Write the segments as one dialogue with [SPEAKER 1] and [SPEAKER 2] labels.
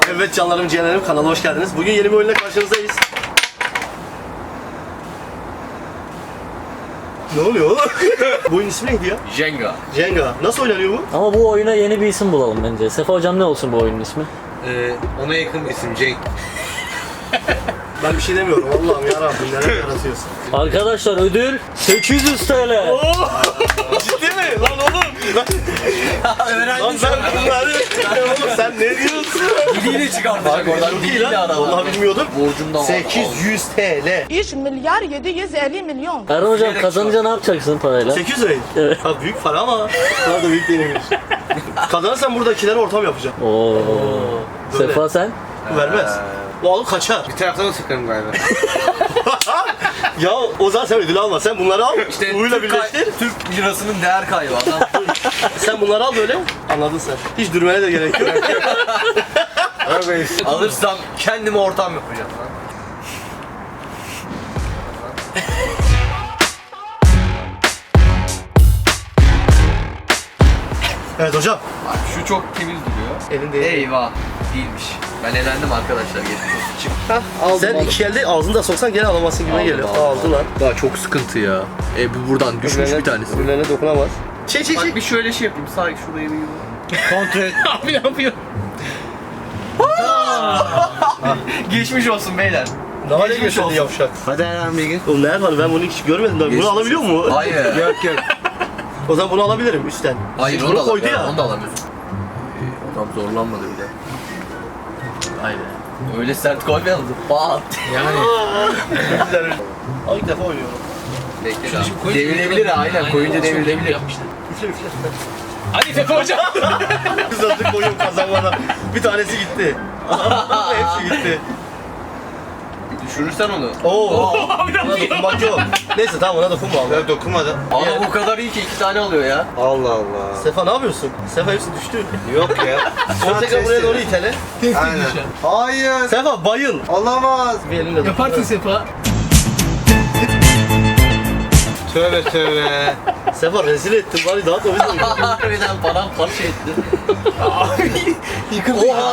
[SPEAKER 1] Evet canlarım, ciğerlerim, kanala hoş geldiniz. Bugün yeni bir oyunla karşınızdayız. Ne oluyor oğlum? Bu oyun ismi neydi ya?
[SPEAKER 2] Jenga.
[SPEAKER 1] Jenga. Nasıl oynanıyor bu?
[SPEAKER 3] Ama bu oyuna yeni bir isim bulalım bence. Sefa hocam ne olsun bu oyunun ismi?
[SPEAKER 2] Ona yakın bir isim Cenk.
[SPEAKER 1] Ben bir şey demiyorum. Allah'ım yarabbim, neler yaratıyorsun.
[SPEAKER 3] Arkadaşlar ödül 800 TL.
[SPEAKER 1] Ciddi mi? Lan oğlum. Lan ben bunları... Oğlum sen ne diyorsun?
[SPEAKER 2] Diliyle çıkartacak oradan.
[SPEAKER 1] Çok iyi
[SPEAKER 2] Diliyle
[SPEAKER 1] lan.
[SPEAKER 2] adam.
[SPEAKER 1] Vallahi bilmiyordum.
[SPEAKER 2] Borcumdan
[SPEAKER 1] 800 TL.
[SPEAKER 4] 3 milyar 750 milyon.
[SPEAKER 3] Erhan hocam kazanınca ne yapacaksın parayla?
[SPEAKER 1] 800 lira.
[SPEAKER 3] Evet.
[SPEAKER 1] Ha, büyük para ama. Daha da büyük değilmiş. Kazanırsan buradakileri ortam yapacağım.
[SPEAKER 3] Oo.
[SPEAKER 1] Böyle.
[SPEAKER 3] Sefa sen?
[SPEAKER 1] Vermez. O alıp kaçar.
[SPEAKER 2] Bir taraftan da sıkarım galiba.
[SPEAKER 1] Ya o zaman sen ödül alma. Sen bunları al. Uğuyla birleştir.
[SPEAKER 2] Türk lirasının değer kaybı adam.
[SPEAKER 1] Sen bunları al böyle. Anladın sen. Hiç durmaya da gerek yok.
[SPEAKER 2] Alırsam kendime ortam yapacağım lan.
[SPEAKER 1] Evet hocam.
[SPEAKER 2] Bak şu çok temiz duruyor.
[SPEAKER 1] Elin değil.
[SPEAKER 2] Eyvah. Değilmiş. Ben elendim arkadaşlar. Geçmiş olsun. Çık.
[SPEAKER 1] Sen iki elde ağzında soksan gene alamazsın gibi geliyor. Aldı lan.
[SPEAKER 2] Daha çok sıkıntı ya. Bu buradan düşmüş bir tanesi.
[SPEAKER 1] Öbürlerine dokunamaz. Çek.
[SPEAKER 2] Bak bir şöyle şey yapayım. Sağ şurayı bir kontrol et. Abi ne yapıyor? Geçmiş olsun beyler.
[SPEAKER 1] Ne hale
[SPEAKER 2] Geçmiş
[SPEAKER 1] getirdi
[SPEAKER 2] olsun.
[SPEAKER 1] yavşak.
[SPEAKER 2] Hadi Erhan Bilgin.
[SPEAKER 1] Oğlum ne yapalım, ben bunu hiç görmedim. Ben bunu alabiliyor mu?
[SPEAKER 2] Hayır. Yok.
[SPEAKER 1] O zaman bunu alabilirim üstten.
[SPEAKER 2] Hayır
[SPEAKER 1] Bunu koydu ya.
[SPEAKER 2] Onu da alamıyorsun. Adam zorlanmadı bile. Aynen. Öyle sert koymayalım. Pat. Yani.
[SPEAKER 1] Güzel. Al, ilk defa oynuyorum.
[SPEAKER 2] Bekle daha. Devrilebilir ha, aynen. Koyunca devrilebilir.
[SPEAKER 1] Üfle.
[SPEAKER 2] Hadi Fethi hocam.
[SPEAKER 1] Biz attık koyun kazanmana. Bir tanesi gitti. Hepsi gitti.
[SPEAKER 2] Düşürürsen onu.
[SPEAKER 1] Oo. Ona dokunmak yok. Neyse tamam, ona dokunma abi.
[SPEAKER 2] Dokunmadı. Ama bu kadar iyi ki 2 tane alıyor ya.
[SPEAKER 5] Allah Allah.
[SPEAKER 1] Sefa ne yapıyorsun? Sefa hepsi düştü.
[SPEAKER 5] Yok ya.
[SPEAKER 1] Sonra tekrar buraya doğru itele.
[SPEAKER 5] Aynen. Hayır.
[SPEAKER 1] Sefa bayıl.
[SPEAKER 5] Olamaz.
[SPEAKER 1] Bir elinle dokun.
[SPEAKER 6] Yaparsın Sefa.
[SPEAKER 5] Tövbe tövbe.
[SPEAKER 1] Sefa rezil ettin bari, daha da oyun.
[SPEAKER 2] Harbiden paramparça etti.
[SPEAKER 1] Yıkıldı. Oha.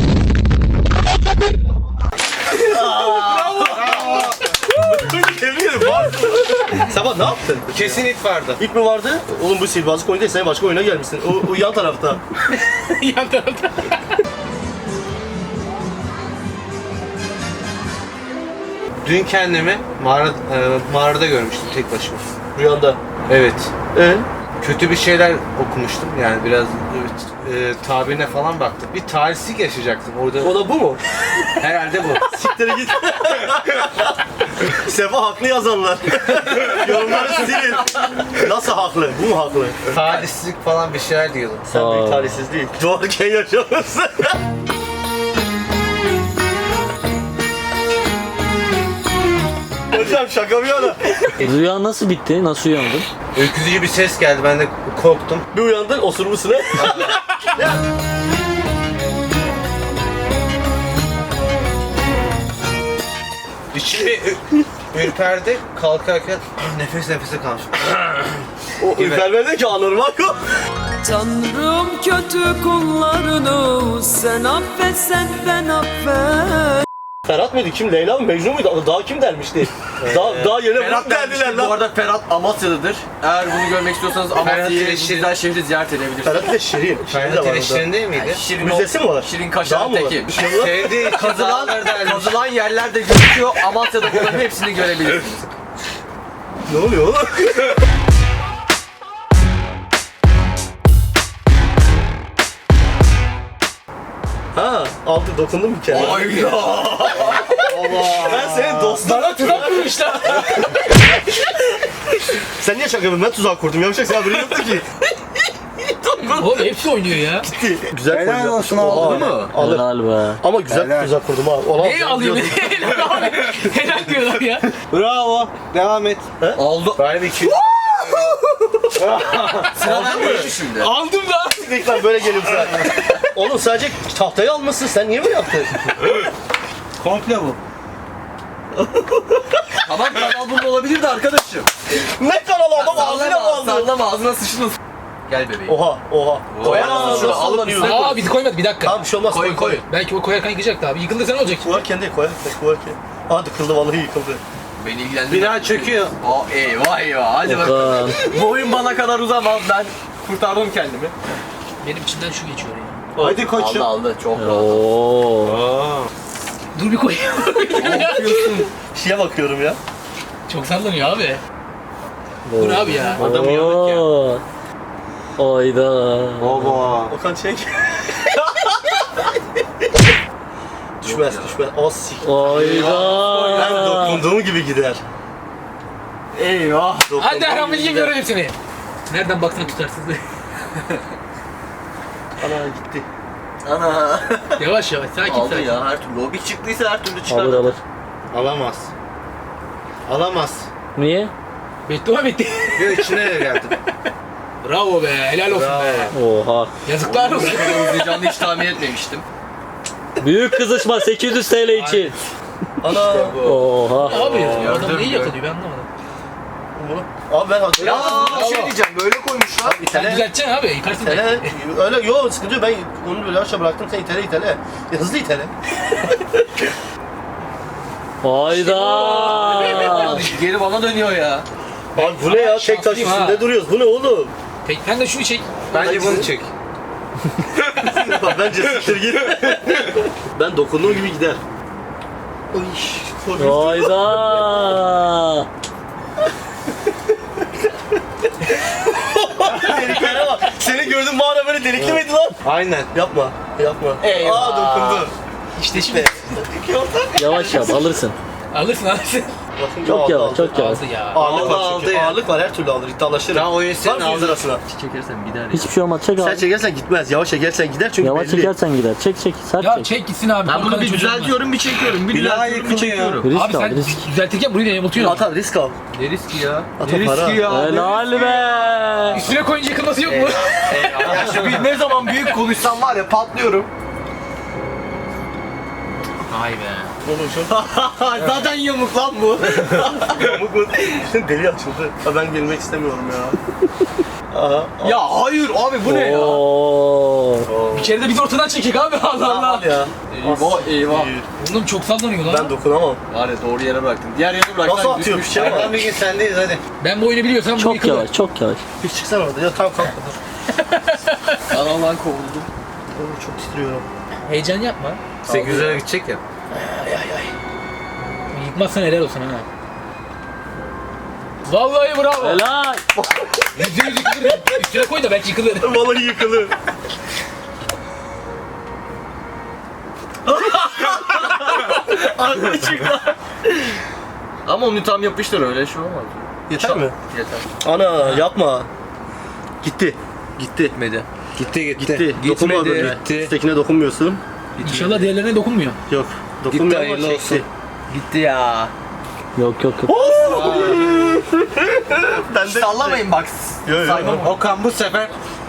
[SPEAKER 1] Tebrik ederim. Sefa ne yaptın?
[SPEAKER 5] Kesin ip vardı.
[SPEAKER 1] İp mi vardı? Oğlum bu sihirbazlık oyunu değil, sen başka oyuna gelmişsin. O yan tarafta.
[SPEAKER 6] Yan tarafta.
[SPEAKER 5] Dün kendimi mağarada görmüştüm tek başıma.
[SPEAKER 1] Rüyanda.
[SPEAKER 5] Evet.
[SPEAKER 1] Ee?
[SPEAKER 5] Kötü bir şeyler okumuştum. Yani biraz tabirine falan baktım. Bir talihsizlik yaşayacaktım orada.
[SPEAKER 1] O da bu mu?
[SPEAKER 5] Herhalde bu.
[SPEAKER 1] Siktir git. Sefa haklı yazanlar. Yorumları silin. Nasıl haklı? Bu mu haklı?
[SPEAKER 5] Talihsizlik falan bir şeyler diyordum.
[SPEAKER 1] Sen büyük talihsiz değil. Doğarken yaşamışsın. Hocam şaka bir yana.
[SPEAKER 3] Rüya nasıl bitti? Nasıl uyandın?
[SPEAKER 5] Ürkütücü bir ses geldi. Ben de korktum.
[SPEAKER 1] Bir uyandın, osurmuşsun ha.
[SPEAKER 5] İçimi ürperdi. Kalkarken nefes nefese kalmış.
[SPEAKER 1] O ürpermedi ki, anormal o.
[SPEAKER 7] Tanrım kötü kullarını sen affet, sen ben affet.
[SPEAKER 1] Ferhat mıydı? Kim? Leyla mı? Mecnun muydu? Daha kim dermişti? Daha yeni Ferhat derdiler
[SPEAKER 2] Bu
[SPEAKER 1] lan.
[SPEAKER 2] arada Ferhat Amasya'dadır. Eğer bunu görmek istiyorsanız Amasya'yı
[SPEAKER 5] ile
[SPEAKER 2] bu
[SPEAKER 5] Şirin-
[SPEAKER 2] güzel şehri ziyaret edebilirsiniz.
[SPEAKER 1] Ferhat ile Şirin. Şirin de
[SPEAKER 5] Ferhat
[SPEAKER 1] var
[SPEAKER 5] ile
[SPEAKER 1] orada.
[SPEAKER 5] Şirin değil miydi?
[SPEAKER 2] Şirin
[SPEAKER 1] Müzesi mi var?
[SPEAKER 2] Şirin
[SPEAKER 1] Dağ
[SPEAKER 2] Kaşar'ın
[SPEAKER 1] mı var?
[SPEAKER 2] teki.
[SPEAKER 1] Bir şey var.
[SPEAKER 5] Sevdiği
[SPEAKER 2] Kazılan,
[SPEAKER 5] kazılan
[SPEAKER 2] kazılan yerler de gözüküyor. Amasya'da bunların hepsini görebilirsiniz.
[SPEAKER 1] Ne oluyor oğlum? Ha, aldı, dokundum bir kere.
[SPEAKER 2] Ay ya.
[SPEAKER 1] Ben senin dostum.
[SPEAKER 6] Bana tuzak kurmuşlar.
[SPEAKER 1] Sen niye şaka yapıyorsun? Ben tuzak kurdum. Yapacak sen haberin yoktu ki.
[SPEAKER 6] Oğlum hepsi oynuyor ya.
[SPEAKER 1] Gitti. Güzel
[SPEAKER 5] Helal
[SPEAKER 1] koydu.
[SPEAKER 5] olsun,
[SPEAKER 1] Oha.
[SPEAKER 5] aldı
[SPEAKER 2] mı?
[SPEAKER 1] Alır.
[SPEAKER 3] Helal be.
[SPEAKER 1] Ama güzel
[SPEAKER 5] Helal.
[SPEAKER 1] tuzak kurdum ha. Olan
[SPEAKER 6] Neyi alayım? Helal diyorlar ya.
[SPEAKER 5] Bravo. Devam et.
[SPEAKER 2] Aldı.
[SPEAKER 5] Bari bir iki.
[SPEAKER 2] Sıra bende şimdi.
[SPEAKER 6] Aldım da.
[SPEAKER 1] Lütfen böyle gelin sen. Oğlum sadece tahtayı almışsın. Sen niye böyle yaptın?
[SPEAKER 5] Komple bu.
[SPEAKER 2] Tamam kanal bunun olabilirdi arkadaşım.
[SPEAKER 1] Ne kanalı adam ağzına mı aldı?
[SPEAKER 2] Sallama ağzına sıçtın. Gel bebeğim.
[SPEAKER 1] Oha. Koyar mısın şunu?
[SPEAKER 2] Alıp
[SPEAKER 1] Alıp
[SPEAKER 2] üstüne
[SPEAKER 6] Aa biz koymadık bir dakika.
[SPEAKER 1] Tamam bir şey olmaz.
[SPEAKER 2] Koy.
[SPEAKER 6] Belki o koyarken yıkacaktı abi. Yıkıldıysa ne olacak?
[SPEAKER 1] Koyarken değil koyarken. Hadi kıldı vallahi yıkıldı.
[SPEAKER 2] Beni ilgilendirmez.
[SPEAKER 5] Bir daha çöküyor.
[SPEAKER 2] Eyvah. Hadi bakalım.
[SPEAKER 3] Okan.
[SPEAKER 2] Bu oyun bana kadar uzamaz. Ben kurtardım kendimi.
[SPEAKER 6] Benim içimden şu geçiyor ya.
[SPEAKER 5] Hadi koçum.
[SPEAKER 2] Aldı. Çok rahat.
[SPEAKER 3] Oo.
[SPEAKER 5] Aa.
[SPEAKER 6] Dur bir koyayım.
[SPEAKER 1] Şeye bakıyorum ya.
[SPEAKER 6] Çok sallanıyor abi. Dur abi ya.
[SPEAKER 5] Adamı yorduk ya.
[SPEAKER 3] Oo. Oyda.
[SPEAKER 5] Baba.
[SPEAKER 1] Okan çek. Düşmez. Az sik. Ben
[SPEAKER 3] Oyda.
[SPEAKER 1] dokunduğum gibi gider.
[SPEAKER 2] Eyvah.
[SPEAKER 6] Hadi Ahmet gibi görelim seni. Nereden baksana tutarsın.
[SPEAKER 1] Ana gitti.
[SPEAKER 2] Ana.
[SPEAKER 6] Yavaş sakin
[SPEAKER 2] Aldı
[SPEAKER 6] sakin.
[SPEAKER 2] ya her türlü. O bir çıktıysa her türlü çıkar.
[SPEAKER 3] Alır.
[SPEAKER 5] Alamaz. Alamaz.
[SPEAKER 3] Niye?
[SPEAKER 6] Beddua bitti.
[SPEAKER 5] Bir içine geldi.
[SPEAKER 6] Bravo be, helal olsun be.
[SPEAKER 3] Oha.
[SPEAKER 6] Yazıklar olsun.
[SPEAKER 2] Uzayacağını hiç tahmin etmemiştim.
[SPEAKER 3] Büyük kızışma 800 TL için.
[SPEAKER 1] Ana.
[SPEAKER 3] Oha.
[SPEAKER 6] Abi ya,
[SPEAKER 2] Gördüm,
[SPEAKER 6] adam neyi
[SPEAKER 2] gördüm.
[SPEAKER 6] yakalıyor ben anlamadım.
[SPEAKER 1] Abi ben
[SPEAKER 2] Ya
[SPEAKER 1] hatırlıyorum.
[SPEAKER 2] bir şey diyeceğim. Böyle koymuşlar.
[SPEAKER 6] Sen düzelteceksin abi, yıkarsın.
[SPEAKER 1] İtele. Öyle yok sıkıntı yok. Ben onu böyle aşağı bıraktım. Sen itele. Ya, hızlı itele.
[SPEAKER 3] Hayda.
[SPEAKER 2] Geri bana dönüyor ya.
[SPEAKER 1] Abi bu ne ya? Tek taş
[SPEAKER 6] şanslıyım
[SPEAKER 1] üstünde
[SPEAKER 6] ha.
[SPEAKER 1] duruyoruz. Bu ne oğlum?
[SPEAKER 6] Peki sen de şunu çek.
[SPEAKER 5] Bence bunu çek.
[SPEAKER 1] Bak bence siktir git. Ben dokunduğum gibi gider. Oy, korkunç.
[SPEAKER 3] Hayda.
[SPEAKER 1] Deliklere bak. Seni gördüm mağara böyle delikli miydi lan?
[SPEAKER 5] Aynen.
[SPEAKER 1] Yapma.
[SPEAKER 2] Eyvah.
[SPEAKER 1] Aa dokundu.
[SPEAKER 6] İşte şimdi.
[SPEAKER 3] Yavaş yap alırsın.
[SPEAKER 6] Alırsın.
[SPEAKER 1] Bakın,
[SPEAKER 3] Çok
[SPEAKER 1] aldı,
[SPEAKER 3] yavaş
[SPEAKER 1] aldı.
[SPEAKER 3] çok yavaş.
[SPEAKER 6] Aldı ya.
[SPEAKER 1] Ağırlık var
[SPEAKER 5] Aldı
[SPEAKER 1] çünkü.
[SPEAKER 5] ya.
[SPEAKER 1] Ağırlık var her türlü alır. İddialaşırım.
[SPEAKER 5] Tamam oyun
[SPEAKER 1] Var
[SPEAKER 5] senin
[SPEAKER 1] mı 100
[SPEAKER 5] aldı.
[SPEAKER 1] lirasına?
[SPEAKER 2] Çekersem gider ya.
[SPEAKER 3] Hiçbir şey olmaz çek
[SPEAKER 1] Sen
[SPEAKER 3] abi.
[SPEAKER 1] çekersen gitmez. Yavaş çekersen gider çünkü
[SPEAKER 3] Yavaş
[SPEAKER 1] belli.
[SPEAKER 3] çekersen gider. Çek sert
[SPEAKER 6] Ya
[SPEAKER 3] çek.
[SPEAKER 6] çek gitsin abi.
[SPEAKER 2] Ben bunu
[SPEAKER 6] korkanın
[SPEAKER 2] bir
[SPEAKER 6] çocuğu var.
[SPEAKER 2] düzeltiyorum, bir çekiyorum. Bir
[SPEAKER 5] Bir daha
[SPEAKER 2] düzeltiyorum, bir
[SPEAKER 5] yıkılıyor.
[SPEAKER 2] çekiyorum.
[SPEAKER 6] Abi
[SPEAKER 3] Risk al
[SPEAKER 6] sen
[SPEAKER 3] risk.
[SPEAKER 6] düzeltirken burayı da yamultuyorsun.
[SPEAKER 1] At abi risk al.
[SPEAKER 2] Ne riski ya?
[SPEAKER 1] At
[SPEAKER 2] Ne
[SPEAKER 1] o para.
[SPEAKER 2] riski ya?
[SPEAKER 3] Helal be.
[SPEAKER 6] Üstüne koyunca yıkılması yok mu?
[SPEAKER 2] Ya şu bir ne zaman büyük konuşsam var ya patlıyorum.
[SPEAKER 6] Vay be.
[SPEAKER 2] Zaten yamuk lan bu.
[SPEAKER 1] Yamuk bu. Deli açıldı. Ha, ben gelmek istemiyorum ya. Aha.
[SPEAKER 2] Ya hayır abi bu ne ya?
[SPEAKER 3] Oo.
[SPEAKER 6] Bir kere de biz ortadan çekek abi Allah Allah.
[SPEAKER 1] Al ya.
[SPEAKER 2] Eyvah.
[SPEAKER 6] Oğlum çok sallanıyor lan.
[SPEAKER 1] Ben dokunamam.
[SPEAKER 2] Var ya doğru yere bıraktın. Diğer yere bıraktın.
[SPEAKER 1] Nasıl atıyor bir şey var?
[SPEAKER 5] Erkan bir gün sendeyiz hadi.
[SPEAKER 6] Ben bu oyunu biliyorsam bu
[SPEAKER 3] Çok
[SPEAKER 6] yıkılır.
[SPEAKER 3] yavaş çok yavaş.
[SPEAKER 1] Bir çıksana orada. Ya tamam kalk. Dur.
[SPEAKER 2] Kanaldan kovuldum.
[SPEAKER 1] Oo, çok titriyorum.
[SPEAKER 6] Heyecan yapma.
[SPEAKER 5] 800 lira gidecek ya.
[SPEAKER 6] Yıkmazsan helal olsun ha. Vallahi bravo.
[SPEAKER 3] Helal.
[SPEAKER 6] %100 yıkılır. Üstüne koy da belki yıkılır.
[SPEAKER 1] Vallahi yıkılır. Aklı çıktı.
[SPEAKER 2] Ama onu tam yapıştır öyle şey olmaz.
[SPEAKER 1] Yeter mi?
[SPEAKER 2] Yeter.
[SPEAKER 1] Ana yapma. Gitti. Gitti.
[SPEAKER 2] Gitmedi.
[SPEAKER 1] Gitti. Dokunma
[SPEAKER 2] Gitmedi.
[SPEAKER 1] böyle.
[SPEAKER 5] Gitti.
[SPEAKER 1] Üsttekine dokunmuyorsun.
[SPEAKER 6] İnşallah diğerlerine dokunmuyor.
[SPEAKER 1] Yok. Dokunmuyor ama
[SPEAKER 5] hayırlı
[SPEAKER 1] çekti.
[SPEAKER 5] olsun.
[SPEAKER 2] Gitti ya.
[SPEAKER 3] Yok.
[SPEAKER 1] Ben de
[SPEAKER 2] Sallamayın bak.
[SPEAKER 1] Yo, yo.
[SPEAKER 2] Saymam.
[SPEAKER 5] Okan bu sefer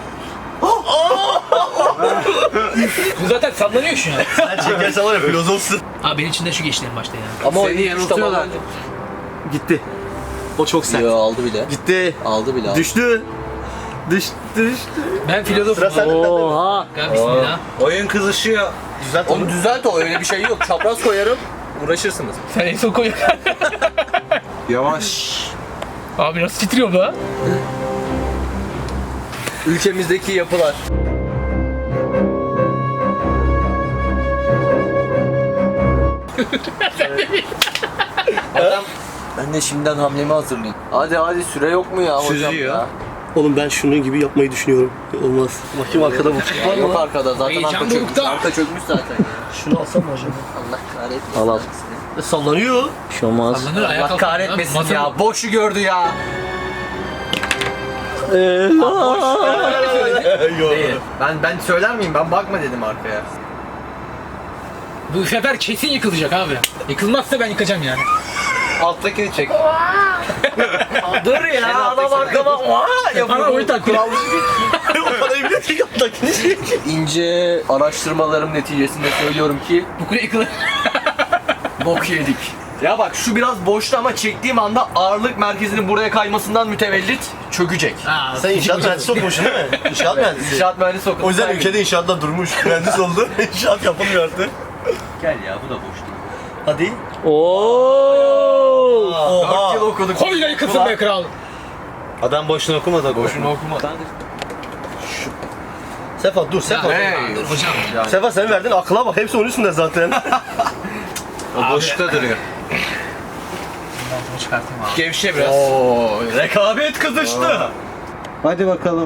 [SPEAKER 6] Bu zaten sallanıyor şu an.
[SPEAKER 1] Sen çekersen var ya filozofsun.
[SPEAKER 6] Abi benim içinden şu geçti en başta ya.
[SPEAKER 2] Ama o
[SPEAKER 5] Seni
[SPEAKER 2] hiç
[SPEAKER 5] yanıltıyorlar.
[SPEAKER 2] tamam.
[SPEAKER 1] Gitti. O çok sert.
[SPEAKER 2] Yo aldı bile.
[SPEAKER 1] Gitti.
[SPEAKER 2] Aldı bile.
[SPEAKER 1] Düştü. Düştü.
[SPEAKER 6] Ben filozofum.
[SPEAKER 1] Sıra sende.
[SPEAKER 3] Oha.
[SPEAKER 6] Bismillah.
[SPEAKER 5] oyun kızışıyor.
[SPEAKER 1] Düzelt onu.
[SPEAKER 2] Onu düzelt o öyle bir şey yok. Çapraz koyarım. Uğraşırsınız.
[SPEAKER 6] Sen en son koy.
[SPEAKER 5] Yavaş.
[SPEAKER 6] Abi nasıl titriyor bu ha?
[SPEAKER 2] Ülkemizdeki yapılar.
[SPEAKER 5] Adam
[SPEAKER 2] Ben de şimdiden hamlemi hazırlayayım. Hadi süre yok mu ya hocam
[SPEAKER 5] Süzüyor.
[SPEAKER 2] ya?
[SPEAKER 1] Oğlum ben şunun gibi yapmayı düşünüyorum. Olmaz. Bakayım arkada bu.
[SPEAKER 2] Ya yok arkada zaten
[SPEAKER 6] Heyecan
[SPEAKER 2] arka çökmüş.
[SPEAKER 6] dorukta.
[SPEAKER 2] Arka çökmüş zaten ya.
[SPEAKER 1] Şunu alsam mı acaba?
[SPEAKER 2] Allah kahretmesin.
[SPEAKER 3] Al.
[SPEAKER 1] Sallanıyor.
[SPEAKER 3] Bir şey olmaz.
[SPEAKER 6] Sallanır ayağa
[SPEAKER 2] Allah
[SPEAKER 6] kalkıyor.
[SPEAKER 2] kahretmesin
[SPEAKER 6] Masa-
[SPEAKER 2] ya. Boşu gördü ya. Değil. Ben söyler miyim? Ben bakma dedim arkaya.
[SPEAKER 6] Bu sefer kesin yıkılacak abi. Yıkılmazsa ben yıkacağım yani.
[SPEAKER 5] alttakini çek.
[SPEAKER 2] Dur ya adam arkama
[SPEAKER 6] Bana oyun takıyor.
[SPEAKER 1] O parayı bile tek attakini.
[SPEAKER 2] İnce araştırmalarım neticesinde söylüyorum ki
[SPEAKER 6] Bu kule yıkılır.
[SPEAKER 2] bok yedik. Ya bak şu biraz boştu ama çektiğim anda ağırlık merkezinin buraya kaymasından mütevellit çökecek.
[SPEAKER 1] Sen inşaat mühendisi okumuşsun değil mi? İnşaat mühendisi.
[SPEAKER 2] İnşaat mühendisi okudum.
[SPEAKER 1] O yüzden ülkede inşaatla durmuş. Mühendis oldu. İnşaat yapılmıyor artık.
[SPEAKER 2] Gel ya bu da boş değil.
[SPEAKER 1] Hadi.
[SPEAKER 3] Oo.
[SPEAKER 2] 4 yıl okuduk.
[SPEAKER 6] Koy da yıkılsın be kral.
[SPEAKER 5] Adam boşuna okumadı.
[SPEAKER 2] Boşuna okuma.
[SPEAKER 1] Sefa dur Sefa.
[SPEAKER 6] Hocam.
[SPEAKER 1] Sefa sen verdin akla bak. Hepsi onun üstünde zaten.
[SPEAKER 5] O boşlukta duruyor.
[SPEAKER 6] Bunu çıkartayım abi.
[SPEAKER 5] Gevşe biraz.
[SPEAKER 2] Oo, rekabet kızıştı.
[SPEAKER 5] Hadi bakalım.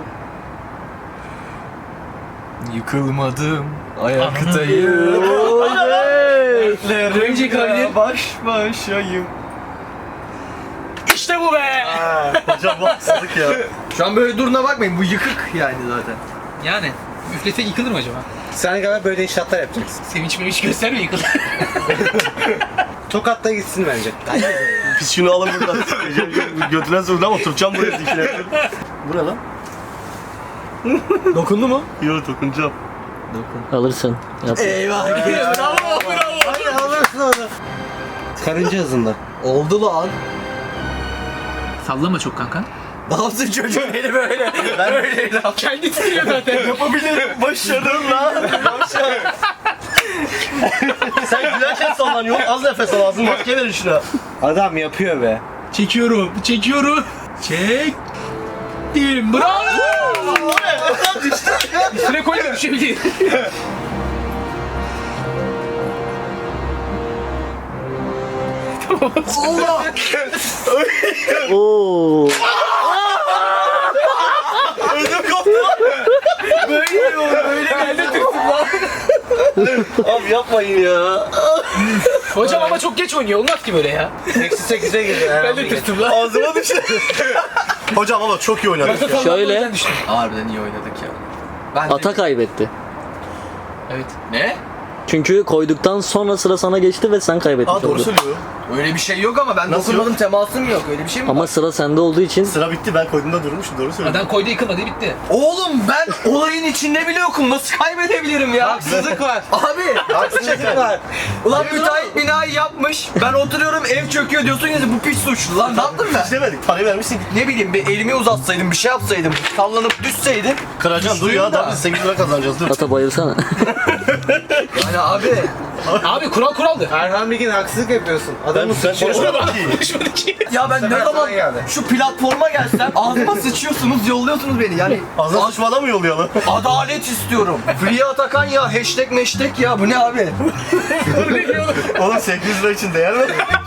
[SPEAKER 2] Yıkılmadım, ayaktayım.
[SPEAKER 6] Önce kaydı.
[SPEAKER 2] Baş başayım.
[SPEAKER 6] İşte bu be.
[SPEAKER 1] Hocam bu haksızlık ya.
[SPEAKER 2] Şu an böyle duruna bakmayın, bu yıkık yani zaten.
[SPEAKER 6] Yani üflesek yıkılır mı acaba?
[SPEAKER 5] Sen galiba böyle inşaatlar yapacaksın.
[SPEAKER 6] Sevinç mevinç göstermiyor yıkılır.
[SPEAKER 5] Tokat'ta gitsin bence.
[SPEAKER 1] Biz şunu alın buradan. Götüren zordan oturacağım buraya dikine. Bu ne lan?
[SPEAKER 2] Dokundu mu?
[SPEAKER 1] Yok dokunacağım.
[SPEAKER 3] Alırsın. Yap.
[SPEAKER 2] Eyvah. Bravo, bravo.
[SPEAKER 5] Hadi alırsın onu. Karınca hızında.
[SPEAKER 2] Oldu lan.
[SPEAKER 6] Sallama çok kanka.
[SPEAKER 2] Ne yapsın çocuğun eli böyle? Ben öyle
[SPEAKER 6] Kendi titriyor zaten.
[SPEAKER 1] Yapabilirim. Başarım lan. Başarım. Sen gülerken sallanıyorsun. Az nefes al. Ağzını maske verin şuna.
[SPEAKER 5] Adam yapıyor be.
[SPEAKER 6] Çekiyorum. Çektim. Bravo. Üstüne koy da düşebilir.
[SPEAKER 3] Oo.
[SPEAKER 1] Ödüm koptu.
[SPEAKER 2] böyle geldi tırsın lan.
[SPEAKER 1] Abi yapmayın ya.
[SPEAKER 6] Hocam ama çok geç oynuyor. Olmaz ki böyle ya.
[SPEAKER 5] Eksi 8'e girdi.
[SPEAKER 6] Ben de tırstım lan.
[SPEAKER 1] Ağzıma düştü. Hocam ama çok iyi oynadık ya.
[SPEAKER 3] Şöyle.
[SPEAKER 2] Harbiden iyi oynadık ya. Ben
[SPEAKER 3] Ata kaybetti.
[SPEAKER 6] Evet.
[SPEAKER 2] Ne?
[SPEAKER 3] Çünkü koyduktan sonra sıra sana geçti ve sen kaybetmiş
[SPEAKER 1] Aa doğru
[SPEAKER 3] oldun.
[SPEAKER 1] söylüyor.
[SPEAKER 2] Öyle bir şey yok ama ben
[SPEAKER 1] Nasıl
[SPEAKER 2] dokunmadım, temasım yok. Öyle bir şey mi
[SPEAKER 3] Ama
[SPEAKER 2] var?
[SPEAKER 3] sıra sende olduğu için
[SPEAKER 1] Sıra bitti ben koyduğumda durmuşum doğru söylüyor.
[SPEAKER 6] Adam koydu yıkılmadı bitti.
[SPEAKER 2] Oğlum ben olayın içinde bile yokum. Nasıl kaybedebilirim ya?
[SPEAKER 5] Haksızlık var.
[SPEAKER 2] Abi.
[SPEAKER 5] Haksızlık var.
[SPEAKER 2] Ulan müteahhit binayı yapmış. Ben oturuyorum ev çöküyor diyorsun ya bu piç suçlu lan. Ne yaptım ben?
[SPEAKER 1] İstemedik parayı vermişsin.
[SPEAKER 2] Ne bileyim bir elimi uzatsaydım bir şey yapsaydım. Sallanıp düşseydim.
[SPEAKER 1] Kıracaksın dur ya daha biz 8 lira kazanacağız dur.
[SPEAKER 3] ata bayılsana.
[SPEAKER 2] Yani abi.
[SPEAKER 6] Abi kural kuraldı.
[SPEAKER 5] Erhan Bilgin haksızlık yapıyorsun. Adamı
[SPEAKER 1] Ben
[SPEAKER 5] sıçıyor.
[SPEAKER 6] Konuşmadı ki.
[SPEAKER 2] Ya ben ne
[SPEAKER 5] Sefer
[SPEAKER 2] zaman
[SPEAKER 5] sana geldi.
[SPEAKER 2] şu platforma gelsem ağzıma sıçıyorsunuz yolluyorsunuz beni. Yani
[SPEAKER 1] Ağzına sıçmadan mı yollayalım?
[SPEAKER 2] adalet istiyorum. Free Atakan ya hashtag meştek ya bu ne abi?
[SPEAKER 1] Oğlum 800 lira için değer mi?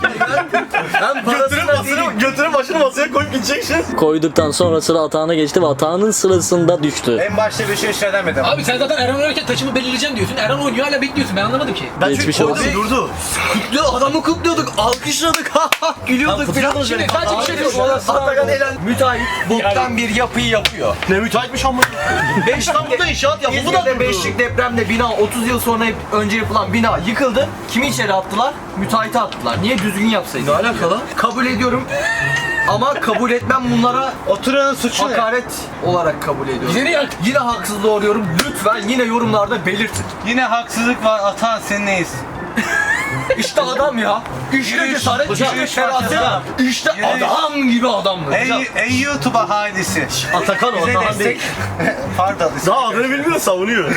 [SPEAKER 2] Ben parasına değilim.
[SPEAKER 1] Götürüp başını masaya koyup gideceksin.
[SPEAKER 3] Koyduktan sonra sıra atağına geçti ve atağının sırasında düştü.
[SPEAKER 5] En başta bir şey söylemedim.
[SPEAKER 6] Abi sen zaten Erhan oynarken taçımı belirleyeceğim diyorsun. Erhan oynuyor hala bekliyorsun. Ben anlamadım ki.
[SPEAKER 1] Ben çünkü
[SPEAKER 3] Geçmiş
[SPEAKER 1] koydum
[SPEAKER 3] olsun.
[SPEAKER 1] durdu.
[SPEAKER 2] Adamı kutluyorduk, alkışladık, gülüyorduk falan.
[SPEAKER 6] Şimdi sadece bir şey diyorsun.
[SPEAKER 2] Atakan Elen müteahhit boktan bir yapıyı yapıyor.
[SPEAKER 1] Ne müteahhitmiş ama. İstanbul'da inşaat yapıldı da
[SPEAKER 2] İzmir'de
[SPEAKER 1] durdu.
[SPEAKER 2] 5'lik depremde bina 30 yıl sonra önce yapılan bina yıkıldı. Kimi içeri attılar? Müteahhite attılar. Niye düzgün yapsaydın? Ne alakalı? Kabul ediyorum. Ama kabul etmem bunlara
[SPEAKER 5] Oturanın suçu ne?
[SPEAKER 2] hakaret olarak kabul ediyorum.
[SPEAKER 6] Bize ne yak?
[SPEAKER 2] Yine haksızlığı uğruyorum. Lütfen yine yorumlarda belirtin.
[SPEAKER 5] Yine haksızlık var. Atan sen neyiz?
[SPEAKER 2] İşte adam ya. İşte cesaret, işte feraset. İşte adam gibi adamdır.
[SPEAKER 5] Ey YouTube ahalisi.
[SPEAKER 1] Atakan o
[SPEAKER 5] Bize
[SPEAKER 1] Atakan değil.
[SPEAKER 5] destek. Pardon.
[SPEAKER 1] Daha adını bilmiyor savunuyor.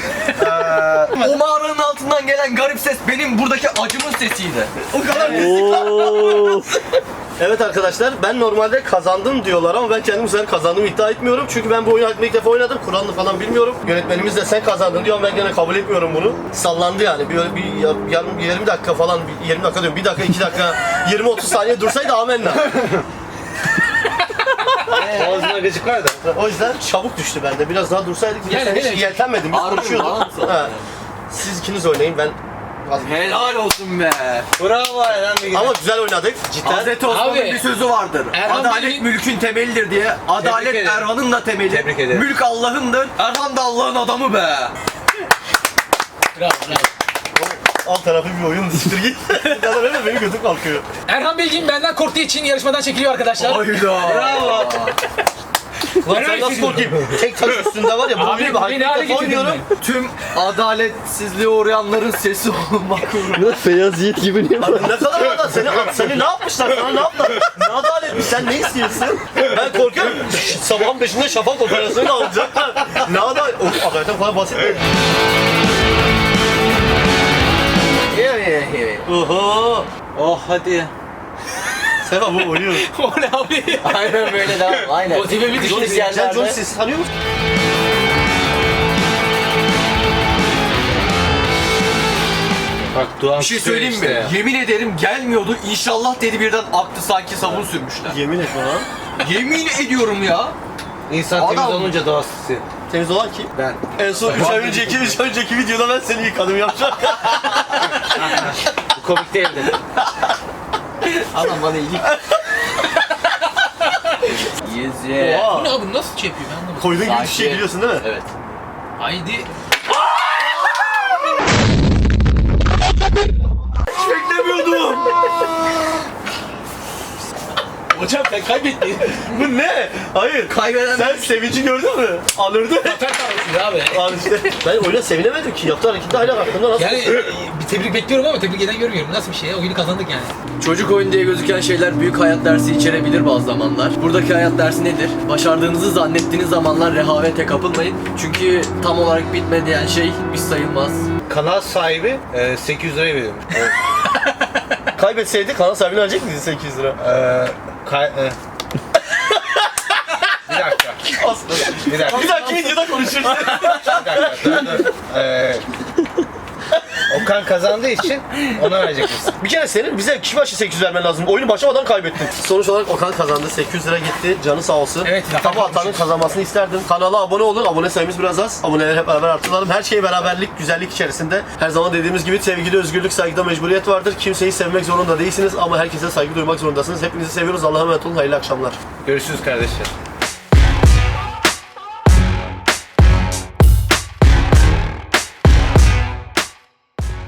[SPEAKER 2] O mağaranın altından gelen garip ses benim buradaki acımın sesiydi.
[SPEAKER 1] O kadar
[SPEAKER 3] Oo.
[SPEAKER 1] Evet arkadaşlar ben normalde kazandım diyorlar ama ben kendim bu sefer kazandığımı iddia etmiyorum. Çünkü ben bu oyunu ilk defa oynadım. Kuralını falan bilmiyorum. Yönetmenimiz de sen kazandın diyor ama ben gene kabul etmiyorum bunu. Sallandı yani. Yarım 20 dakika falan 20 dakika diyorum. 1 dakika 2 dakika 20-30 saniye dursaydı amenna.
[SPEAKER 5] Ağzına gıcık var da.
[SPEAKER 1] O yüzden çabuk düştü bende. Biraz daha dursaydık
[SPEAKER 6] Yani
[SPEAKER 1] sen hiç
[SPEAKER 6] hele-
[SPEAKER 1] yeltenmedin. Biz
[SPEAKER 2] Harbi
[SPEAKER 1] konuşuyorduk.
[SPEAKER 2] balans
[SPEAKER 1] Ha. Siz ikiniz oynayın ben
[SPEAKER 2] Helal olsun be.
[SPEAKER 5] Bravo Erhan Bilgin.
[SPEAKER 1] ama güzel oynadık cidden.
[SPEAKER 2] Hazreti Osman'ın
[SPEAKER 6] Abi,
[SPEAKER 2] bir sözü vardır.
[SPEAKER 6] Erhan
[SPEAKER 2] Adalet
[SPEAKER 6] Bilgin-
[SPEAKER 2] mülkün temelidir diye. Adalet
[SPEAKER 5] ederim.
[SPEAKER 2] Erhan'ın da temeli.
[SPEAKER 5] Tebrik ederim.
[SPEAKER 2] Mülk Allah'ındır. Erhan da Allah'ın adamı be.
[SPEAKER 6] Bravo bravo.
[SPEAKER 1] Alt tarafı bir oyun siktir git. Ya da benim götüm kalkıyor.
[SPEAKER 6] Erhan Bilgin benden korktuğu için yarışmadan çekiliyor arkadaşlar.
[SPEAKER 2] Hayda. Bravo.
[SPEAKER 6] Var
[SPEAKER 1] Sen
[SPEAKER 6] öyle
[SPEAKER 1] nasıl
[SPEAKER 6] şey
[SPEAKER 1] korkayım? Tek taş üstünde var ya. Bu
[SPEAKER 6] Abi,
[SPEAKER 1] oyunu bir
[SPEAKER 6] beni hale
[SPEAKER 1] hayatta
[SPEAKER 6] getirdin
[SPEAKER 1] oynuyorum.
[SPEAKER 2] Tüm adaletsizliğe uğrayanların sesi olmak uğruna.
[SPEAKER 3] Feyyaz Yiğit gibi niye
[SPEAKER 1] Abi ne kadar adalet? Seni ne yapmışlar? Sana ne yaptılar? Ne adaletmiş? Sen ne istiyorsun? Ben korkuyorum. Sabahın 5'inde şafak operasyonu alacaklar. Ne adalet? Of, adaletten kolay basit mi? Oho.
[SPEAKER 2] Oh hadi.
[SPEAKER 1] Sefa bu oynuyor.
[SPEAKER 6] O ne abi?
[SPEAKER 2] Aynen böyle devam. Aynen.
[SPEAKER 6] O tipe bir düşün.
[SPEAKER 2] Johnny
[SPEAKER 1] Sen John
[SPEAKER 2] yerlerde.
[SPEAKER 1] Sis'i tanıyor musun?
[SPEAKER 5] Bak Doğan
[SPEAKER 2] Bir şey söyleyeyim mi?
[SPEAKER 5] işte.
[SPEAKER 2] Yemin ederim gelmiyordu. İnşallah dedi birden aktı sanki sabun sürmüşler.
[SPEAKER 1] Yemin etme lan.
[SPEAKER 2] Yemin ediyorum ya.
[SPEAKER 5] İnsan
[SPEAKER 2] Adam-
[SPEAKER 5] temiz olunca doğası.
[SPEAKER 1] Temiz olan kim?
[SPEAKER 5] Ben.
[SPEAKER 1] En son 3 ay önceki videoda ben seni yıkadım yapacağım.
[SPEAKER 5] Bu komik değildi.
[SPEAKER 2] Adam bana iyilik. Yeze.
[SPEAKER 1] Oha.
[SPEAKER 6] Bu ne abi? Nasıl şey yapıyor ben anlamadım.
[SPEAKER 1] Koyduğun gibi bir şey
[SPEAKER 2] Sakin.
[SPEAKER 1] biliyorsun değil mi?
[SPEAKER 2] Evet.
[SPEAKER 6] Haydi.
[SPEAKER 1] Beklemiyordum.
[SPEAKER 6] Hocam sen kaybettin.
[SPEAKER 1] Bu ne? Hayır.
[SPEAKER 2] Kaybeden
[SPEAKER 1] Sen sevinci gördün mü? Alırdı.
[SPEAKER 6] Zafer sarhoşuydu abi.
[SPEAKER 1] Abi işte ben oyuna sevinemedim ki. Yaptığı harekette hala aklımda nasıl?
[SPEAKER 6] Yani bir tebrik bekliyorum ama tebrik eden görmüyorum. Nasıl bir şey ya? Oyunu kazandık yani.
[SPEAKER 2] Çocuk oyun diye gözüken şeyler büyük hayat dersi içerebilir bazı zamanlar. Buradaki hayat dersi nedir? Başardığınızı zannettiğiniz zamanlar rehavete kapılmayın. Çünkü tam olarak bitmeyen şey biz sayılmaz.
[SPEAKER 5] Kanal sahibi 800 liraya veriyormuş.
[SPEAKER 1] Kaybetseydi kanal sahibine verecek miydin 800 lira?
[SPEAKER 5] Bir dakika.
[SPEAKER 1] Aslında.
[SPEAKER 5] Bir dakika.
[SPEAKER 1] Bir dahaki videoda konuşuruz.
[SPEAKER 5] Bir dakika. Dur. Okan kazandığı için ona verecek misin?
[SPEAKER 1] Bir kere senin bize kişi başı 800 vermen lazım. Oyunu başlamadan kaybettin. Sonuç olarak Okan kazandı. 800 lira gitti. Canı sağ olsun.
[SPEAKER 6] Evet,
[SPEAKER 1] Tabu atanın kazanmasını isterdim. Kanala abone olun. Abone sayımız biraz az. Aboneleri hep beraber artıralım. Her şey beraberlik, güzellik içerisinde. Her zaman dediğimiz gibi sevgide özgürlük, saygıda mecburiyet vardır. Kimseyi sevmek zorunda değilsiniz ama herkese saygı duymak zorundasınız. Hepinizi seviyoruz. Allah'a emanet olun. Hayırlı akşamlar.
[SPEAKER 5] Görüşürüz kardeşler.